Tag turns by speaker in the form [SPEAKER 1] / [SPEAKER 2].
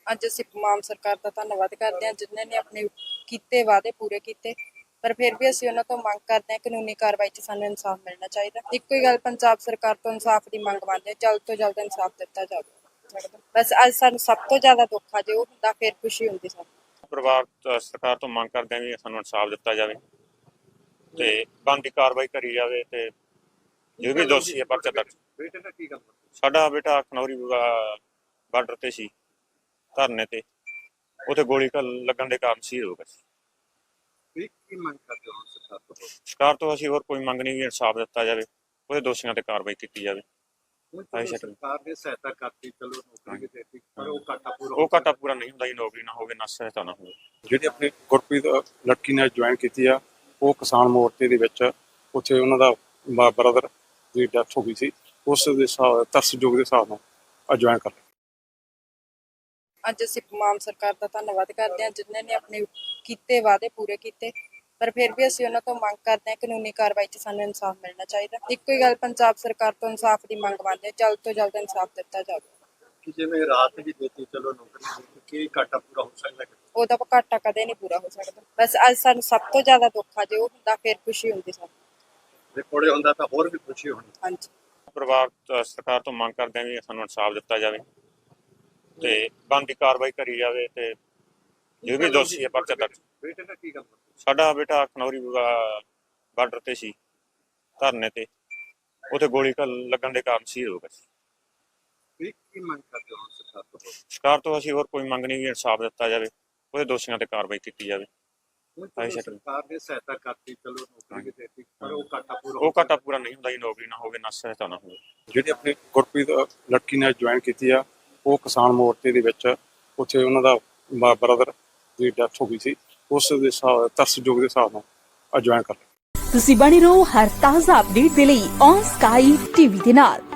[SPEAKER 1] ਅੱਜ ਅਸੀਂ ਮਾਨ ਸਰਕਾਰ ਦਾ ਧੰਨਵਾਦ ਕਰਦੇ ਹਾਂ ਜਿਨ੍ਹਾਂ ਨੇ ਆਪਣੇ ਕੀਤੇ ਵਾਅਦੇ ਪੂਰੇ ਕੀਤੇ। ਪਰ ਫਿਰ ਵੀ ਅਸੀਂ ਉਹਨਾਂ ਤੋਂ ਮੰਗ ਕਰਦੇ ਹਾਂ ਕਾਨੂੰਨੀ ਕਾਰਵਾਈ 'ਚ ਸਾਨੂੰ ਇਨਸਾਫ ਮਿਲਣਾ ਚਾਹੀਦਾ। ਇੱਕੋ ਹੀ ਗੱਲ ਪੰਜਾਬ ਸਰਕਾਰ ਤੋਂ ਇਨਸਾਫ ਦੀ ਮੰਗ ਮੰਨਦੇ ਹਾਂ, ਜਲਦ ਤੋਂ ਜਲਦ ਇਨਸਾਫ ਦਿੱਤਾ ਜਾਵੇ। ਬਸ ਅੱਜ ਸਾਨੂੰ ਸਭ ਤੋਂ ਜ਼ਿਆਦਾ ਦੁੱਖ ਆ, ਜੇ ਉਹ ਹੁੰਦਾ ਫਿਰ ਖੁਸ਼ੀ ਹੁੰਦੀ ਸਾਨੂੰ।
[SPEAKER 2] ਪਰਿਵਾਰ ਸਰਕਾਰ ਤੋਂ ਮੰਗ ਕਰਦੇ ਹਾਂ ਵੀ ਸਾਨੂੰ ਇਨਸਾਫ ਦਿੱਤਾ ਜਾਵੇ ਤੇ ਬਣਦੀ ਕਾਰਵਾਈ ਕਰੀ ਜਾਵੇ ਤੇ ਜੋ ਵੀ ਦੋਸ਼ੀ ਹੈ ਪਰਚਾ ਦਰਜ।
[SPEAKER 3] ਬੇਟੇ ਦਾ ਕੀ ਗੱਲ
[SPEAKER 2] ਸਾਡਾ ਬੇਟਾ ਖਨੌਰੀ ਬਾਰਡਰ ਤੇ ਸੀ ਧਰਨੇ ਤੇ, ਉੱਥੇ ਗੋਲੀ ਲੱਗਣ ਦੇ ਕਾਰਨ ਸ਼ਹੀਦ ਹੋ ਗਿਆ ਸੀ।
[SPEAKER 3] ਕੀ ਮੰਗ ਕਰਦੇ ਹੋ ਸਰਕਾਰ ਤੋਂ?
[SPEAKER 2] ਸਰਕਾਰ ਤੋਂ ਅਸੀਂ ਹੋਰ ਕੋਈ ਮੰਗ ਨਹੀਂ, ਵੀ ਇਨਸਾਫ ਦਿੱਤਾ ਜਾਵੇ, ਉਹਦੇ ਦੋਸ਼ੀਆਂ ਤੇ ਕਾਰਵਾਈ ਕੀਤੀ ਜਾਵੇ।
[SPEAKER 3] ਸਰਕਾਰ ਨੇ ਸਹਾਇਤਾ ਕਰਤੀ, ਚਲੋ ਨੌਕਰੀ ਵੀ ਦੇਤੀ, ਪਰ ਉਹ
[SPEAKER 2] ਘਾਟਾ ਪੂਰਾ ਨਹੀਂ ਹੁੰਦਾ ਜੀ। ਨੌਕਰੀ ਨਾ ਹੋਵੇ ਨਾ ਸਹਾਇਤਾ ਨਾ ਹੋਵੇ।
[SPEAKER 4] ਜਿਹੜੀ ਆਪਣੀ ਗੁਰਪ੍ਰੀਤ ਲੜਕੀ ਨੇ ਜੁਆਇਨ ਕੀਤੀ ਆ, ਉਹ ਕਿਸਾਨ ਮੋਰਚੇ ਦੇ ਵਿੱਚ ਉੱਥੇ ਉਹਨਾਂ ਦਾ ਬ੍ਰਦਰ ਦੀ ਡੈਥ ਹੋ ਗਈ ਸੀ, ਉਸ ਦੇ ਤਰਸਯੋਗ ਦੇ ਹਿਸਾਬ ਨਾਲ ਜੁਆਇਨ ਕਰ ਲਿਆ।
[SPEAKER 1] ਅੱਜ ਅਸੀਂ ਮਾਨ ਸਰਕਾਰ ਦਾ ਧੰਨਵਾਦ ਕਰਦੇ ਹਾਂ ਜਿਨ੍ਹਾਂ ਨੇ ਆਪਣੇ ਕੀਤੇ ਵਾਅਦੇ ਪੂਰੇ ਕੀਤੇ। ਪਰ ਫਿਰ ਵੀ ਅਸੀਂ ਉਹਨਾਂ ਤੋਂ ਮੰਗ ਕਰਦੇ ਹਾਂ ਕਾਨੂੰਨੀ ਕਾਰਵਾਈ 'ਚ ਸਾਨੂੰ ਇਨਸਾਫ ਮਿਲਣਾ ਚਾਹੀਦਾ। ਇੱਕੋ ਹੀ ਗੱਲ ਪੰਜਾਬ ਸਰਕਾਰ ਤੋਂ ਇਨਸਾਫ ਦੀ ਮੰਗ ਮੰਨਦੇ ਹਾਂ, ਜਲਦ ਤੋਂ ਜਲਦ ਇਨਸਾਫ ਦਿੱਤਾ ਜਾਵੇ।
[SPEAKER 3] ਕਿ ਜਿਵੇਂ ਰਾਤ ਵੀ ਦੇਤੀ, ਚਲੋ ਨੌਕਰੀ ਕੀ ਘਾਟਾ ਪੂਰਾ ਹੋ ਸਕਦਾ?
[SPEAKER 1] ਉਹਦਾ ਘਾਟਾ ਕਦੇ ਨਹੀਂ ਪੂਰਾ ਹੋ ਸਕਦਾ। ਬਸ ਅੱਜ ਸਾਨੂੰ ਸਭ ਤੋਂ ਜ਼ਿਆਦਾ ਦੁੱਖ ਆ, ਜੇ ਉਹ ਹੁੰਦਾ ਫਿਰ ਖੁਸ਼ੀ ਹੁੰਦੀ ਸਾਨੂੰ।
[SPEAKER 3] ਜੇ ਕੋਲੇ ਹੁੰਦਾ ਤਾਂ ਹੋਰ ਵੀ ਖੁਸ਼ੀ ਹੋਣੀ।
[SPEAKER 1] ਹਾਂਜੀ।
[SPEAKER 2] ਪਰਿਵਾਰ ਸਰਕਾਰ ਤੋਂ ਮੰਗ ਕਰਦੇ ਹਾਂ ਵੀ ਸਾਨੂੰ ਇਨਸਾਫ ਦਿੱਤਾ ਜਾਵੇ ਤੇ ਬਣਦੀ ਕਾਰਵਾਈ ਕਰੀ ਜਾਵੇ ਤੇ ਜੋ ਵੀ ਦੋਸ਼ੀ ਹੈ ਪਰਚਾ ਦਰਜ।
[SPEAKER 3] ਬੇਟੇ ਦਾ ਕੀ ਗੱਲ?
[SPEAKER 2] ਸਾਡਾ ਬੇਟਾ ਖਨੌਰੀ ਬਾਰਡਰ ਤੇ ਸੀ ਧਰਨੇ ਤੇ, ਉੱਥੇ ਗੋਲੀ ਲੱਗਣ ਦੇ ਕਾਰਨ ਸ਼ਹੀਦ ਹੋ ਗਿਆ ਸੀ।
[SPEAKER 3] ਕੀ ਮੰਗ ਕਰਦੇ ਹੋ ਸਰਕਾਰ ਤੋਂ?
[SPEAKER 2] ਸਰਕਾਰ ਤੋਂ ਅਸੀਂ ਹੋਰ ਕੋਈ ਮੰਗ ਨਹੀਂ, ਵੀ ਇਨਸਾਫ ਦਿੱਤਾ ਜਾਵੇ, ਉਹਦੇ ਦੋਸ਼ੀਆਂ ਤੇ ਕਾਰਵਾਈ ਕੀਤੀ ਜਾਵੇ।
[SPEAKER 3] ਸਰਕਾਰ ਨੇ ਸਹਾਇਤਾ ਕਰਤੀ, ਚਲੋ ਨੌਕਰੀ ਵੀ ਦੇਤੀ, ਪਰ ਉਹ
[SPEAKER 2] ਘਾਟਾ ਪੂਰਾ ਨਹੀਂ ਹੁੰਦਾ ਜੀ। ਨੌਕਰੀ ਨਾ ਹੋਵੇ ਨਾ ਸਹਾਇਤਾ ਨਾ ਹੋਵੇ।
[SPEAKER 4] ਜਿਹੜੀ ਆਪਣੀ ਗੁਰਪ੍ਰੀਤ ਲੜਕੀ ਨੇ ਜੁਆਇਨ ਕੀਤੀ ਆ, ਉਹ ਕਿਸਾਨ ਮੋਰਚੇ ਦੇ ਵਿੱਚ ਉੱਥੇ ਉਹਨਾਂ ਦਾ ਬ੍ਰਦਰ ਦੀ ਡੈਥ ਹੋ ਗਈ ਸੀ, ਉਸ ਦੇ ਤਰਸਯੋਗ ਦੇ ਹਿਸਾਬ ਨਾਲ ਜੁਆਇਨ ਕਰ ਲਿਆ।
[SPEAKER 5] ਤੁਸੀਂ ਬਣੇ ਰਹੋ ਹਰ ਤਾਜ਼ਾ ਅਪਡੇਟ ਦੇ ਲਈ ਔਨ ਸਕਾਈ ਟੀਵੀ ਦੇ ਨਾਲ।